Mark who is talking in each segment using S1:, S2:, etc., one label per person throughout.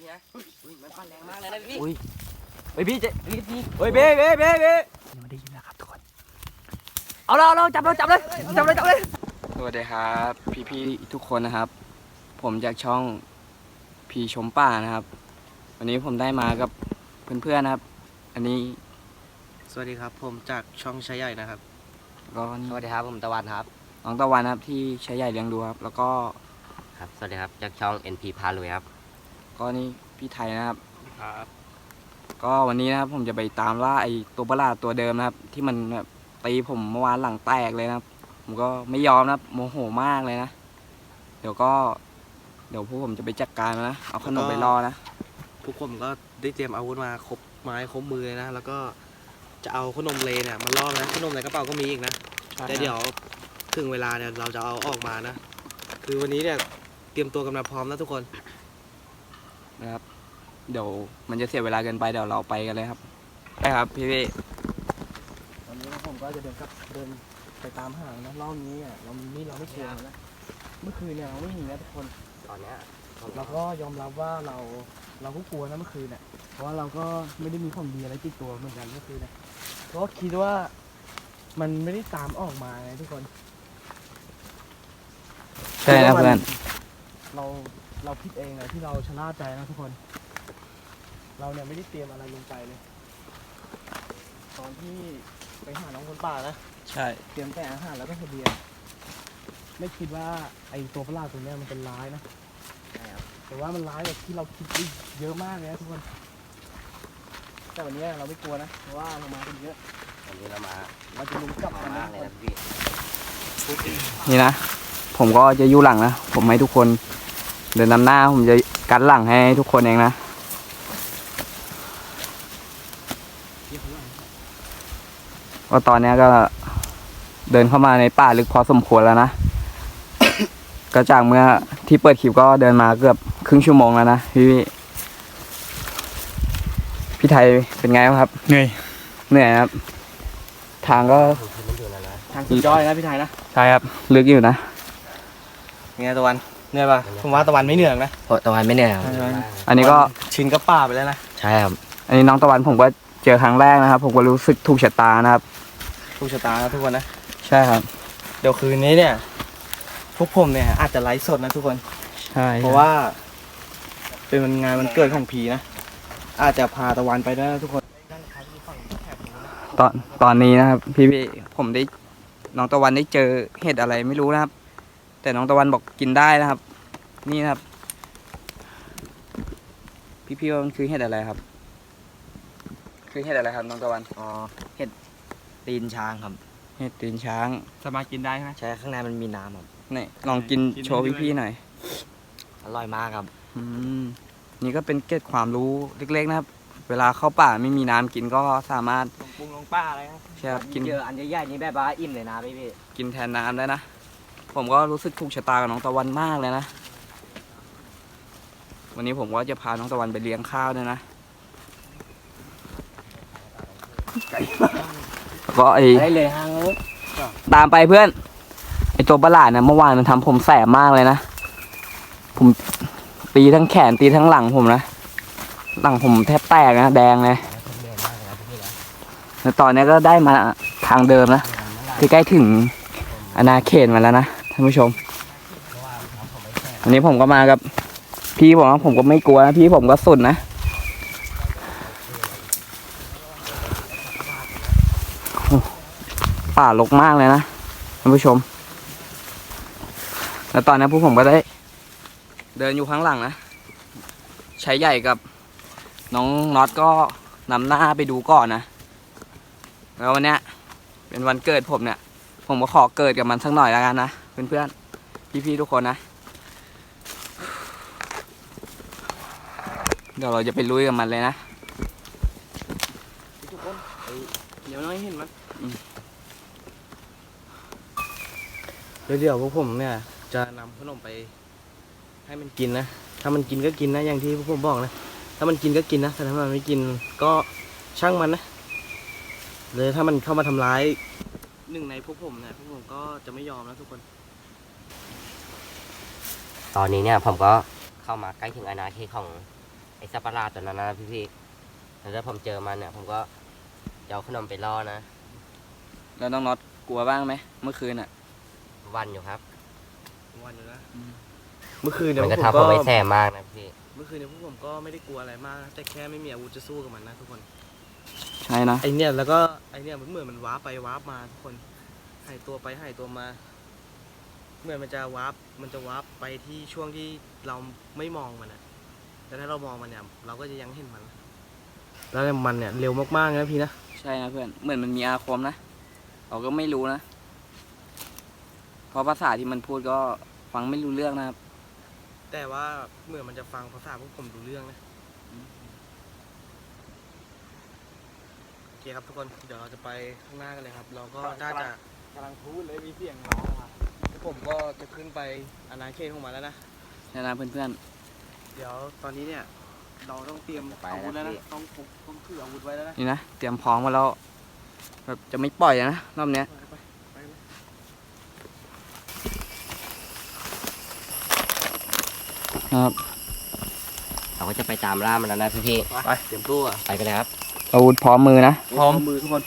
S1: ไงมันปั่นแรงมากเลยนะพี่
S2: อุ้ยเฮ้ยพี่เจ๊
S1: พี่
S2: เฮ้ยเบ้ยังไม่ได้ยินนะครับทุกคนเราจับเลย
S3: สวัสดีครับพี่ๆทุกคนนะครับผมจากช่องพีชมป่านะครับวันนี้ผมได้มากับเพื่อนๆนะครับอันนี้
S4: สวัสดีครับผมจากช่องชายใหญ่นะครับ
S3: ก็นี่
S1: สวัสดีครับผมตะวันครับ
S3: น้องตะวันนะครับที่ใช้ใหญ่เลี้ยงดูครับแล้วก็
S1: ครับสวัสดีครับจากช่อง NP พาลุยครับ
S3: ก็นี่พี่ไทยนะครับ
S4: ครับ
S3: ก็วันนี้นะครับผมจะไปตามล่าไอ้ตัวประหลาดตัวเดิมนะครับที่มันแบบตีผมเมื่อวานหลังแตกเลยนะครับผมก็ไม่ยอมนะครับโมโหมากเลยนะเดี๋ยวพวกผมจะไปจัดการมันนะเอาขนมไปล่อนะ
S4: พวกผมก็ได้เตรียมอาวุธมาครบไม้ครบมือเลยนะแล้วก็จะเอาขนมเลเนี่ยมาล่อนะขนมในกระเป๋าก็มีอีกนะแต่เดี๋ยวถึงเวลาเนี่ยเราจะเอาออกมานะคือวันนี้เนี่ยเตรียมตัวกันมาพร้อมนะทุกคน
S3: นะครับเดี๋ยวมันจะเสียเวลาเกินไปเดี๋ยวเราไปกันเลยครับไปครับพี่
S5: วันนี้ผมก็จะเดินไปตามหานะรอบนี้อ่ะเราไม่เชื่อนะเมื่อคืนเนี่ยเราไม่มีนะทุกคน
S1: ตอนเนี้ย
S5: เราก็ยอมรับว่าเราก็กลัวนะเมื่อคืนเนี่ยเพราะว่าเราก็ไม่ได้มีของดีอะไรติดตัวเหมือนกันเมื่อคืนเนี่ยเพราะคิดว่ามันไม่ได้ตามออกมาไงทุกคน
S3: ใช่นะเพื่อน
S5: เราคิดเองเลยที่เราชะล่าใจนะทุกคน เราเนี่ยไม่ได้เตรียมอะไรลงไปเลย ตอนที่ไปหาน้องคนป่านะ
S3: ใช่
S5: เตรียมแต่อาหารแล้วก็เสบียงไม่คิดว่าไอ้ตัวประหลาดตัวเนี้ยมันเป็นร้ายนะแต่ว่ามันร้ายแบบที่เราคิดได้เยอะมากเลยนะทุกคนแต่วันนี้เราไม่กลัวนะเพราะว่าเรามากันเยอะ
S1: วันนี้เรามา
S5: เราจะลุมจับกัน
S1: มา
S5: นะ
S1: กเลย
S5: ทุกคน
S1: นะพี่
S3: นี่นะผมก็จะอยู่หลังนะผมให้ทุกคนเดินนำหน้าผมจะกันหลังให้ทุกคนเองนะว่าตอนนี้ก็เดินเข้ามาในป่าลึกพอสมควรแล้วนะ ก็จากเมื่อที่เปิดคลิปก็เดินมาเกือบครึ่งชั่วโมงแล้วนะพี่ไทยเป็นไงบ้างครับเหนื่อยครับทางก็
S1: มันอยู่นะ
S5: ทางสุดยอดเลยนะพี่ไทยนะ
S3: ใช่ครับลึกอยู่นะ
S4: ไงตะวันเหนื่อยปะผมว่าตะวันไม่เหนื่อยนะ
S1: โอ้ตะวันไม่เหนื่อยครับ
S3: อันนี้ก็
S4: ชินกับป่าไปแล้วนะ
S1: ใช่ครับ
S3: อันนี้น้องตะวันผมก็เจอครั้งแรกนะครับ ผมก็รู้สึกถูกชะตานะครับ
S4: ทุกชะตานะทุกคนนะ
S3: ใช่ครับ
S4: เดี๋ยวคืนนี้เนี่ยพวกผมเนี่ยอาจจะไลฟ์สดนะทุกคน
S3: ใช่
S4: เพราะว่าเป็นงานวันเกิดของพีนะอาจจะพาตะวันไปด้วยนะทุกคน
S3: ตอนนี้นะครับ พี่ผมได้น้องตะวันได้เจอเห็ดอะไรไม่รู้นะครับ แต่น้องตะวันบอกกินได้นะครับ นี่นะครับ พี่ว่ามันคือเห็ดอะไรครับ คือเห็ดอะไรครับน้องตะวัน
S1: อ๋อเห็ดตีนช้างครับ
S3: เห็ดตีนช้าง
S5: สามารถกินได้ไหม
S1: ใช่ข้างในมันมีน้ำครับ
S3: นี่ลองกินโชว์พี่หน่อย
S1: อร่อยมากครับ
S3: อืมนี่ก็เป็นเกร็ดความรู้เล็กๆนะครับ เวลาเข้าป่าไม่มีน้ำกินก็สามารถ
S5: ลงปุงลงป้าอะไรครับ
S3: ใช่ครับกิน
S1: เจออันใหญ่ๆนี่แบบว่าอิ่มเลยนะพี่
S3: กินแทนน้ำได้นะ ผมก็รู้สึกถูกชะตากับน้องตะวันมากเลยนะ วันนี้ผมก็จะพาน้องตะวันไปเลี้ยงข้าวด้วยนะแล้วก็ไอ้
S1: ได้เลยฮะ
S3: ตามไปเพื่อน ไอ้ตัวประหลาดนะเมื่อวานมันทำผมแสบมากเลยนะ ผมตีทั้งแขนตีทั้งหลังผมนะ หลังผมแทบแตกนะแดงเลยแล้วตอนนี้ก็ได้มาทางเดิมนะคือใกล้ถึงอาณาเขตมาแล้วนะท่านผู้ชม อันนี้ผมก็มากับพี่ผมนะผมก็ไม่กลัวนะพี่ผมก็สุดนะโอ้ป่ารกมากเลยนะท่านผู้ชม แล้วตอนนี้พวกผมก็ได้เดินอยู่ข้างหลังนะใช้ใหญ่กับน้องน็อตก็นำหน้าไปดูก่อนนะแล้ววันเนี้ยเป็นวันเกิดผมเนี่ย ผมก็ขอเกิดกับมันสักหน่อยแล้วกันนะเพื่อนๆพี่ๆทุกคนนะเดี๋ยวเราจะไปลุยกับมันเลยนะ
S4: ทุกคนเดี๋ยวน้อยเห็นมันเดี๋ยวพวกผมเนี่ยจะนำขนมไปให้มันกินนะถ้ามันกินก็กินนะอย่างที่พวกผมบอกนะถ้ามันกินก็กินนะแต่ถ้ามันไม่กินก็ช่างมันนะเลยถ้ามันเข้ามาทำร้ายหนึ่งในพวกผมเนี่ยพวกผมก็จะไม่ยอมนะทุกคน
S1: ตอนนี้เนี่ยผมก็เข้ามาใกล้ถึงอาณาเขตของ
S6: ไอ้สัตว์ประหลาดตัวนั้นนะพี่แล้วถ้าผมเจอมันเนี่ยผมก็จะเอาขนมไปล่อนะ
S3: แล้วน้องน็อตกลัวบ้างไหมเมื่อคืนอ่ะ
S6: วันอยู่ครับ
S4: วันอยู่นะเมื่อคืนเนี่ย
S6: มัน
S4: พ
S6: จะ
S4: วกผม
S6: ทำผม
S4: ก็
S6: ไม่แสบมากนะพี่
S4: เมื่อคืนเนี่ยพวกผมก็ไม่ได้กลัวอะไรมากนะแต่แค่ไม่มีอาวุธจะสู้กับมันนะทุกคน
S3: ใช่นะ
S4: ไอเนี่ยแล้วก็ไอเนี่ยมันเหมือนมันวาร์ปไปวาร์ปมาทุกคนหายตัวไปหายตัวมาเหมือนมันจะวาร์ปไปที่ช่วงที่เราไม่มองมันอะแต่ถ้าเรามองมันเนี่ยเราก็จะยังเห็นมัน แล้วมันเนี่ยเร็วมากๆนะพี่นะ
S3: ใช่นะเพื่อนเหมือนมันมีอาคมนะเราก็ไม่รู้นะเพราะภาษาที่มันพูดก็ฟังไม่รู้เรื่องนะครับ
S4: แต่ว่าเหมือนมันจะฟังภาษาพวกผมดูเรื่องนะโอเคครับทุกคนเดี๋ยวเราจะไปข้างหน้ากันเลยครับ เราก็น่าจะ
S5: กำลังพูดเลยมีเสียงร้องมา
S4: ผมก็จะขึ้นไปอาณาเขตของมันแล้วนะ
S3: ใช่นะเพื่อน
S4: เดี๋ยวตอนนี้เนี่ยเราต้องเตรียม
S6: ไป
S4: อาวุธแล้วนะ
S6: พี่
S4: ต้องถืออาวุธไว้แล้วนะ
S3: ๆนี่นะเตรียมพร้อมมาแล้วแบบจะไม่ปล่อยนะรอบเนี้ย
S4: ไปเลย
S3: นะครับ
S6: เราก็จะไปตามล่ามันแล้วนะพี่
S4: ไปเตรียมตัว
S6: ไปกันเลยครับ
S3: อาวุธพร้อมมือนะ
S4: พร้อมมือทุกคน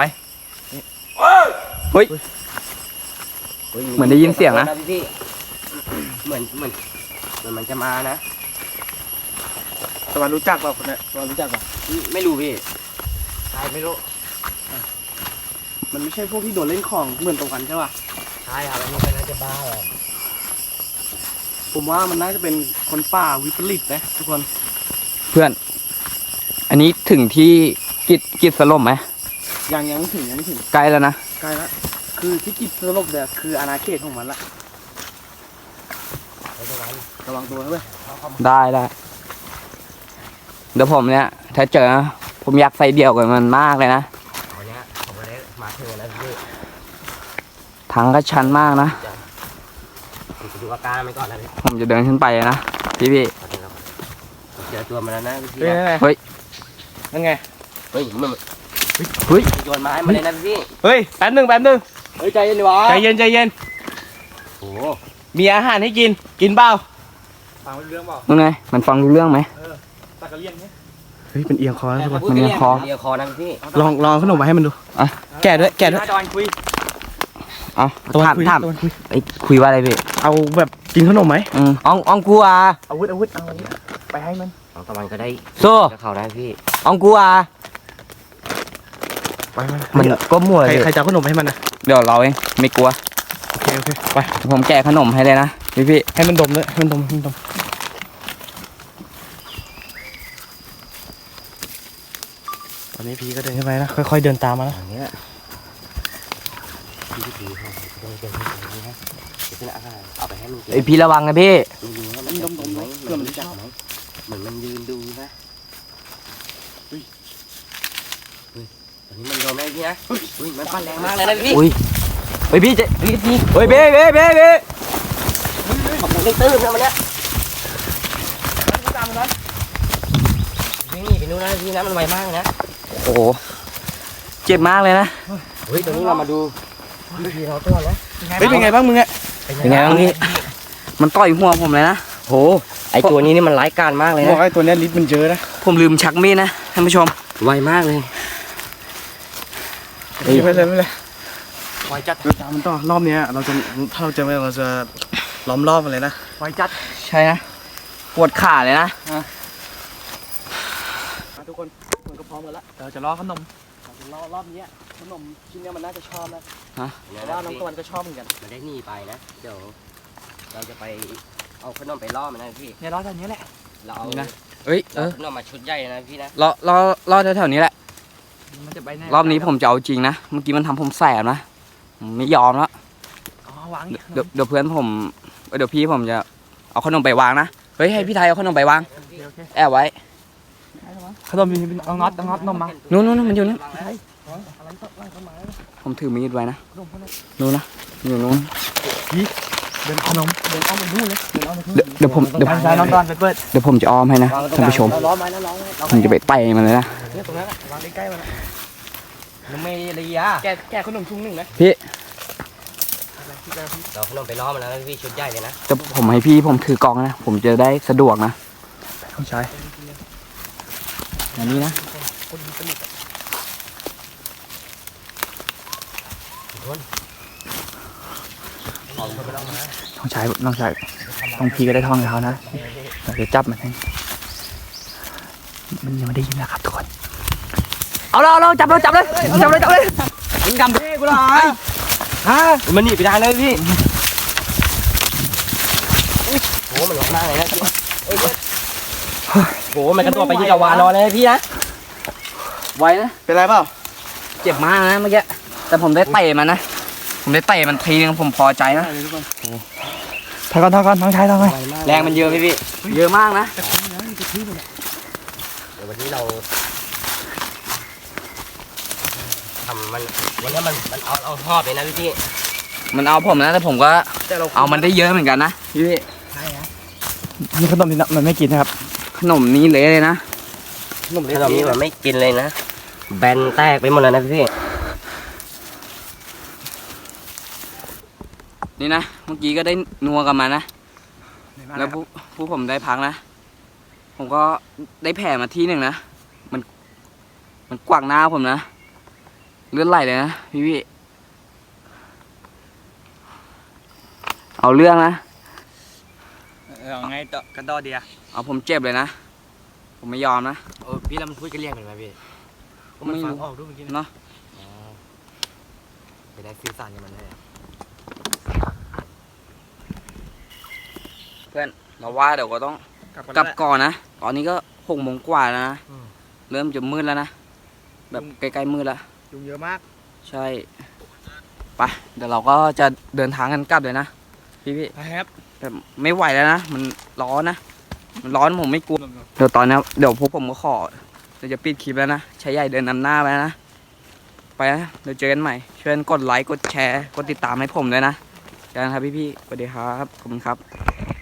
S3: เฮ้ย เหมือนได้ยินเสียงนะ
S6: พี่เหมือนมันจะมานะ
S4: ตะวันรู้จักเปล่าคนเนี้ยตะวันรู้จักเปล่า
S6: ไม่รู้พี่
S1: ใช่ไม่รู้
S4: มันไม่ใช่พวกที่โดนเล่นของเหมือนตะวันใช่ป่ะ
S1: ใช่ครับอันนี้เป็นน่าจะบ้าเลย
S4: ผมว่ามันน่าจะเป็นคนป่าวิปริตนะทุกคน
S3: เพื่อน อันนี้ถึงที่กิจสลบไหม
S4: ยังไม่ถึงยังไม่ถึง
S3: ใกล้แล้วนะ
S4: ใกล้ละคือที่กิจสลบเนี่ยคืออาณาเขตของมันละระวังตัวด้วย
S3: ได้เดี๋ยวผมเนี่ยถ้าเจอนะผมอยากใส่เดี่ยวกับมันมากเลยนะ
S6: วันนี้ผมก็ได้มาถึงแล้วพี่
S3: ทางก็ชันมากนะ
S6: ผมจะดูอาการมันก่อนนะพี่
S3: ผมจะเดินขึ้นไปนะพี่
S6: ผมเจอตัวมันแล้วนะพี่
S3: เฮ้ย
S4: นั่นไง
S6: เฮ้ยมัน
S3: เฮ้ย
S6: โยนไม้มาเลยนะพี่
S4: เฮ้ยแป๊บหนึ่ง
S6: เฮ้ยใจเย็นดิวะ
S4: ใจเย็น
S6: โอ้
S4: มีอาหารให้กินเปล่า
S5: ฟังไม่รู้เรื่องเปล่า
S3: ยังไงมันฟังรู้เรื่องไหม
S5: ตะกะเลียนเนี่ย
S4: เฮ้ยเป็นเอียงคอนะทุกคน
S3: มันยังคอ
S6: เรียกคอนะพี่
S4: ลองขนมมาให้มันดู
S3: อ่ะ
S4: แกะด้วย
S5: ตะวันคุย
S3: เอา
S4: ตะวัน
S3: ถาม
S4: คุย
S3: ถาม
S4: ตะวันคุย
S3: ไอ้คุยว่าอะไรพี่
S4: เอาแบบกินขนมไหม
S3: อ่องกูอ่ะ
S5: อาวุธไปให้มัน
S6: น้องตะวันก็ได้
S3: โซ่
S6: กับเขาได้พี่
S3: อ่องกูอ่ะ
S4: ไป
S3: มันก็มั่วเลย
S4: ใครจะเอาขนมให้มันนะ
S3: เดี๋ยวเราเองไม่กลัว
S4: โอเคไป
S3: ผมแกะขนมให้เลยนะพี่
S4: ให้มันดมเลยให้มันดมตอนนี้พี่ก็เดินขึ้นไปนะค่อยๆเดินตามมานะ
S6: อย่างเงี้ยพี่เขาต้องเดินให้ตรงนี้นะเดี๋ยวขึ้นอาหารเอาไปให้มันกิน
S3: ไอพี่ระวังนะพี่
S6: ดูนะมันดมไหมเพื่อมันรู้จักไหมเหมือนมันยืนดูนะเฮ้ยตอนนี้มันโดนได้พี่นะอุ้ยมันปั่นแรงมากเลยนะพี่
S3: อุ้ยเฮ้ยพี่จะ
S6: พี่พี่
S3: เฮ้ยเบ้
S6: ขอบคุณที่ตื้นนะมันเนี่ยนี่ไปนู่นนะพี่นะมันไวมากนะ
S3: โอ้โหเจ็บมากเลยนะ
S6: เฮ้ยตอนนี้เรามาดูพี่เราตัวนะ
S4: เฮ้ยเป็นไงบ้างมึงอะ
S3: เป็นไงบ้างพี่มันต่อยหัวผมเลยนะ
S6: โหไอตัวนี้นี่มันร้ายกาจมากเลย
S4: บอก
S6: นะ
S4: ไอ้ตัวเนี้ยลิ้นมันเยอะนะ
S3: ผมลืมชักมีดนะท่านผู้ชม
S6: ไวมากเลย
S4: ไม่เป็นไร
S5: ไวจัด
S4: เดินตามมันต่อรอบเนี้ยถ้าเราจะไม่เราจะล้อมรอบมันเลยนะ
S5: ไวจัด
S3: ใช่นะปวดขาเลยนะ
S4: ทุกคนมันก็พร้อมกันละ
S5: เราจะรอขนม
S4: รอบนี้ขนมชิ้นเนี้ยมันน่าจะชอบนะ
S6: เพ
S4: เพราะว่าน้องตะวันก็ชอบเหมือนกัน
S6: มันได้หนีไปนะเดี๋ยวเราจะไปเอาขนมไปล่อมันนะพี่
S5: เนี่ยรอจากนี้แหละ
S6: เราเอา
S3: นี่นะ เอ้ย
S6: เอาขนมมาชุดใหญ่นะพี่นะ
S3: รอแถวๆนี้แหละ
S5: มันจะไปไหน
S3: รอบนี้ผมจะเอาจริงนะ เมื่อกี้มันทำผมแสบนะผมไม่ยอมแล้ว
S5: อ๋อวาง
S3: เดี๋ยวเพื่อนผมเดี๋ยวพี่ผมจะเอาขนมไปวางนะ เฮ้ยให้พี่ไทยเอาขนมไปวาง
S5: โอเค
S3: แอบไว้
S5: ขนมมีเอาน็อตนมมา
S3: นู้นมันอยู่นู้น
S5: อะไรก็ไล่เข้ามา
S3: ผมถือมีดไว้นะ
S5: ขนมพวกนี้
S3: นู้นนะอยู่นู้น
S5: เดินขนมเดินเอาไปนู่นเลยเดินเอาไปนู่น
S3: เดี๋ยวผม
S5: ใช่น้องตอนไปเปิด
S3: เดี๋ยวผมจะอ้อมให้นะท่านผู้ชม
S6: เราล้อมไว้นะล้อมไว้
S3: ผมจะไปไต่มันเลยนะ
S5: เนี่ยตรงนั้นอะวางใกล้ๆมันอะ
S6: มันไม่ระยะ
S5: แกะขนมชุงหนึ่งนะ
S3: พี่
S6: เราขนมไปล่อมันแล้วนะพี่ชุดใหญ่เลยนะ
S3: แต่ผมให้พี่ผมถือกล้องนะ ผมจะได้สะดวกนะ
S4: ต้องใช้
S3: อย่างนี้นะ
S2: ต้องใช้ต้องพีก็ได้ท่องกับเขานะเดี๋ยวจับมันให้มันยังไม่ได้ยินนะครับทุกคนเอาจับเลยยิงกำเพ่กูเลยฮะ
S6: มันหนีไปทางเลยพี่โอ้มันร้องมากเลยนะพี่โอ้มันกระโดดไปยิงกับวานอนเลยพี่นะ
S3: ไวนะ
S4: เป็นไรเปล่า
S3: เจ็บมากนะเมื่อกี้ แต่ผมได้เตะมันนะ ผมได้เตะมันทีนึงผมพอใจนะ
S2: ถอยก่อนน้องชายถอยก่อน
S3: แรงมันเยอะพี่ เยอะมากนะ
S6: เดี๋ยววันนี้เราทำมันวันนี้มันเอาหอบเลยนะพี่
S3: มันเอาผมนะ แต่ผมก็เอามันได้เยอะเหมือนกันนะพี่
S2: นี่ขนมนี่มันไม่กินนะครับ
S3: ขนมนี้เละเลยนะ
S6: ขนมนี้มันไม่กินเลยนะแบนแตกไปหมดแล้วนะพี่
S3: นี่นะ เมื่อกี้ก็ได้นัวกับมันนะ แล้วผู้ผมได้พักนะ ผมก็ได้แผลมาที่หนึ่งนะ มันกวักหน้าผมนะ เลือดไหลเลยนะพี่เอาเรื่องนะ
S2: เอาไงต่อกระดอเดีย
S3: เอาผมเจ็บเลยนะ ผมไม่ยอมนะ
S1: โอ้พี่แล้วมันพูดกันเรียกกันไหมพี่
S3: ไม่
S1: ฟัง
S3: รู้
S1: ออกด้วยเมื่อกี้
S3: เนาะ
S1: ไปได้สื่อสารกับมันได้
S3: เพื่อนเราว่าเดี๋ยวก็ต้องกลับก่อนนะ ตอนนี้ก็6 โมงกว่าแล้วนะ เริ่มจะมืดแล้วนะ แบบใกล้ๆมืดแล้ว
S5: ยุงเยอะมาก
S3: ใช่ ไป เดี๋ยวเราก็จะเดินทางกันกลับเลยนะพี่
S5: ครับ
S3: แต่ไม่ไหวแล้วนะ มันร้อนนะ มันร้อนผมไม่กลัว เดี๋ยวตอนนี้เดี๋ยวพวกผมก็ขอเดี๋ยวจะปิดคลิปแล้วนะใช้ใหญ่เดินนำหน้าไปนะ ไปนะเดี๋ยวเจอกันใหม่ ช่วยกดไลค์ กดแชร์ กดติดตามให้ผมด้วยนะเจอกันครับพี่ๆสวัสดีครับ ขอบคุณครับ